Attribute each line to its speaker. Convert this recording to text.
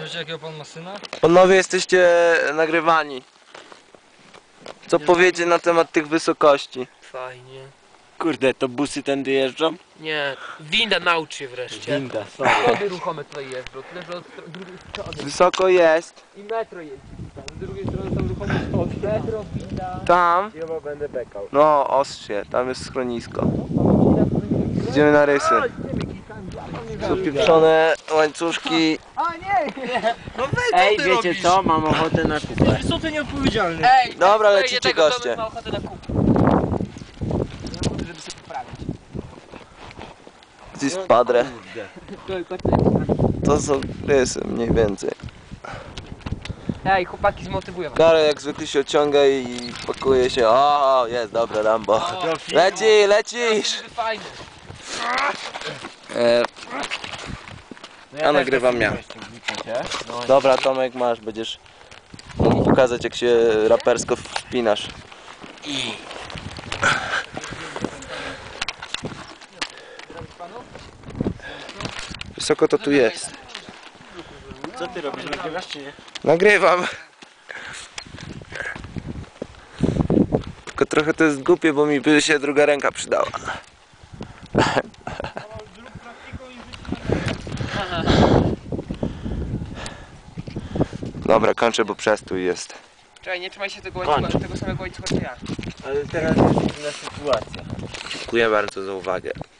Speaker 1: Wiecie jakiego pan ma syna?
Speaker 2: Panowie, jesteście nagrywani. Co powiecie na temat tych wysokości?
Speaker 3: Fajnie.
Speaker 4: Kurde, to busy tędy jeżdżą?
Speaker 3: Nie, winda naucz się wreszcie.
Speaker 4: Winda, sorry.
Speaker 3: Schody ruchome tutaj jeżdżą, tyle że od drugiej strony.
Speaker 2: Wysoko jest.
Speaker 3: I metro jeździ tutaj, z drugiej strony są ruchome schody. Metro, winda.
Speaker 2: Tam.
Speaker 4: Chyba będę bekał.
Speaker 2: No, ostrze, tam jest schronisko. Idziemy na rysy. Zapieprzone łańcuszki.
Speaker 1: No weź,
Speaker 4: Ej, wiecie co? Mam ochotę na kupę.
Speaker 1: Co ty nieodpowiedzialny?
Speaker 3: Ej,
Speaker 2: Dobra,
Speaker 3: ten,
Speaker 2: lecicie
Speaker 3: tego
Speaker 2: goście.
Speaker 3: domu ma ochotę na kupę. Żeby sobie poprawić.
Speaker 2: Gdzieś padre. To są rysy mniej więcej.
Speaker 3: Ej, chłopaki zmotywują was.
Speaker 2: Karol jak zwykle się ociąga i pakuje się. O, jest, dobra, Rambo. Lecisz!
Speaker 3: Fajnie.
Speaker 2: Ja nagrywam ja. Dobra, Tomek, masz, będziesz mógł pokazać, jak się rapersko wspinasz. Wysoko to tu jest.
Speaker 4: Co ty robisz? Nagrywasz czy nie?
Speaker 2: Nagrywam. Tylko trochę to jest głupie, bo mi by się druga ręka przydała. Dobra, kończę, bo przestój jest.
Speaker 3: Czekaj, nie trzymaj się tego łańcucha, tego samego łańcucha co ja.
Speaker 4: Ale teraz jest inna sytuacja.
Speaker 2: Dziękuję bardzo za uwagę.